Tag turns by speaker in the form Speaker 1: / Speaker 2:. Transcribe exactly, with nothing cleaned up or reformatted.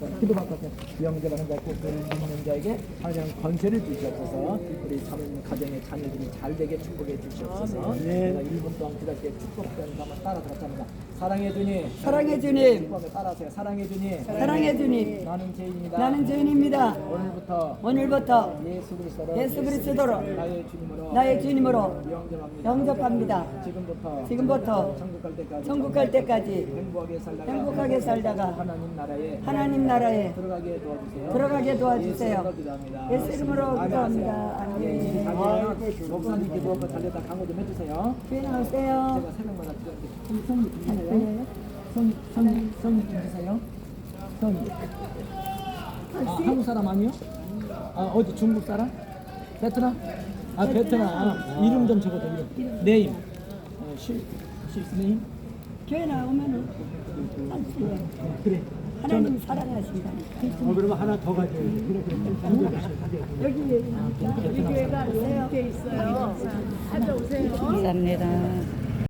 Speaker 1: 기도 바꿔서 영접을 한다 고 믿는 자에게 하나님 권세를 주시옵소서. 우리 사모님 가정의 자녀들이 잘 되게 축복해 주시옵소서. 내가 일 분 동안 기다릴게 축복된 한번 따라 들었답니다. 사랑해 주님,
Speaker 2: 사랑해 주님,
Speaker 1: 축복에 따라하세요. 사랑해 주님,
Speaker 2: 사랑해 주님.
Speaker 1: 나는 죄인입니다.
Speaker 2: 나는 죄인입니다.
Speaker 1: 오늘부터
Speaker 2: 오늘부터
Speaker 1: 예수 그리스도로
Speaker 2: 예수 그리스도로
Speaker 1: 나의 주님으로
Speaker 2: 나의 주님으로
Speaker 1: 영접합니다.
Speaker 2: 영접합니다.
Speaker 1: 지금부터
Speaker 2: 지금부터
Speaker 1: 천국 갈 때까지
Speaker 2: 천국 갈 때까지
Speaker 1: 행복하게 살다가
Speaker 2: 행복하게 살다가
Speaker 1: 하나님 나라에
Speaker 2: 하나님 나라에
Speaker 1: 들어가게 도와주세요.
Speaker 2: 들어가게 도와주세요.
Speaker 1: 예수 이름으로 기도합니다.
Speaker 2: 예수 이름으로 기도합니다.
Speaker 1: 예,
Speaker 2: 아멘.
Speaker 1: 가면 목사님 기도 한번 달려다 강호 좀 해주세요.
Speaker 2: 주인 나오세요.
Speaker 1: 제가 새벽마다 드렸는데 성이 주세요. 성이 성이 성이 주세요. 성이. 아, 한국 사람 아니요? 아 어디 중국 사람? 베트남? 아 베트남. 아, 이름 좀 적어줘 이름. 네임. 어, 실 실스네임.
Speaker 2: 교회 나오면은 한수요.
Speaker 1: 그래.
Speaker 2: 하나님 사랑하신다니까.
Speaker 1: 어 그러면 하나 더 가져요. 그래 그래.
Speaker 2: 여기
Speaker 3: 우리 교회가 이렇게 있어요. 찾아오세요.
Speaker 2: 감사합니다.